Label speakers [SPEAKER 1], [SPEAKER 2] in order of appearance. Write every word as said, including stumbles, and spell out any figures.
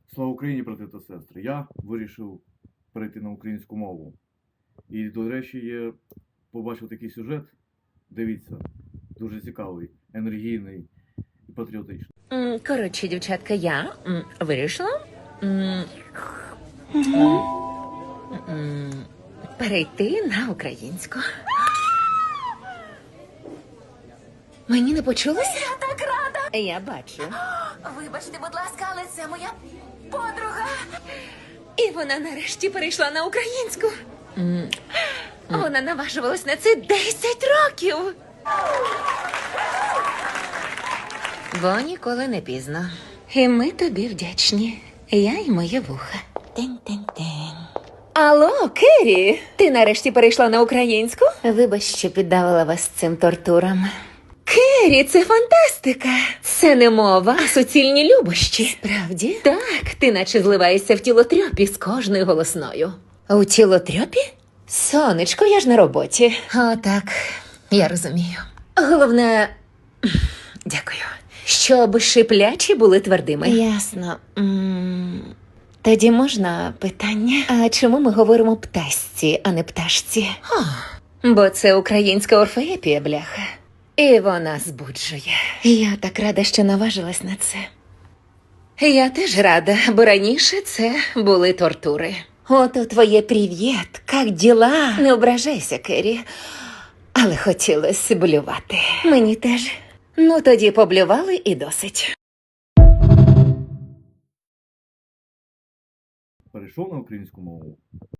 [SPEAKER 1] Слава Україні, брати та сестри! Я вирішив перейти на українську мову. І, до речі, я побачив такий сюжет. Дивіться, дуже цікавий, енергійний і патріотичний.
[SPEAKER 2] М, Коротше, дівчатка, я м, вирішила м, м, перейти на українську. Мені не почулося?
[SPEAKER 3] Я так рада.
[SPEAKER 2] Я бачу.
[SPEAKER 3] Вибачте, будь ласка, але це моя подруга.
[SPEAKER 2] І вона нарешті перейшла на українську. М, Вона наважувалась на це десять років. Бо ніколи не пізно. І ми тобі вдячні. Я і моє вуха. Тень-тень-тень. Алло, Керрі, ти нарешті перейшла на українську? Вибач, що піддавала вас цим тортурам. Керрі, це фантастика. Це не мова, а суцільні любощі. Справді? Так, ти наче зливаєшся в тілотрьопі з кожною голосною. У тілотрьопі? Сонечко, я ж на роботі. О, так, я розумію. Головне, дякую. Щоб шиплячі були твердими. Ясно. М, Тоді можна питання? А чому ми говоримо птасці, а не пташці? О, бо це українська орфоепія, бляха. І вона збуджує. Я так рада, що наважилась на це. Я теж рада, бо раніше це були тортури. Ото твоє привіт, як діла? Не ображайся, Керрі. Але хотілося блювати. Мені теж. Ну, тоді поблювали і досить.
[SPEAKER 1] Перейшов на українську мову.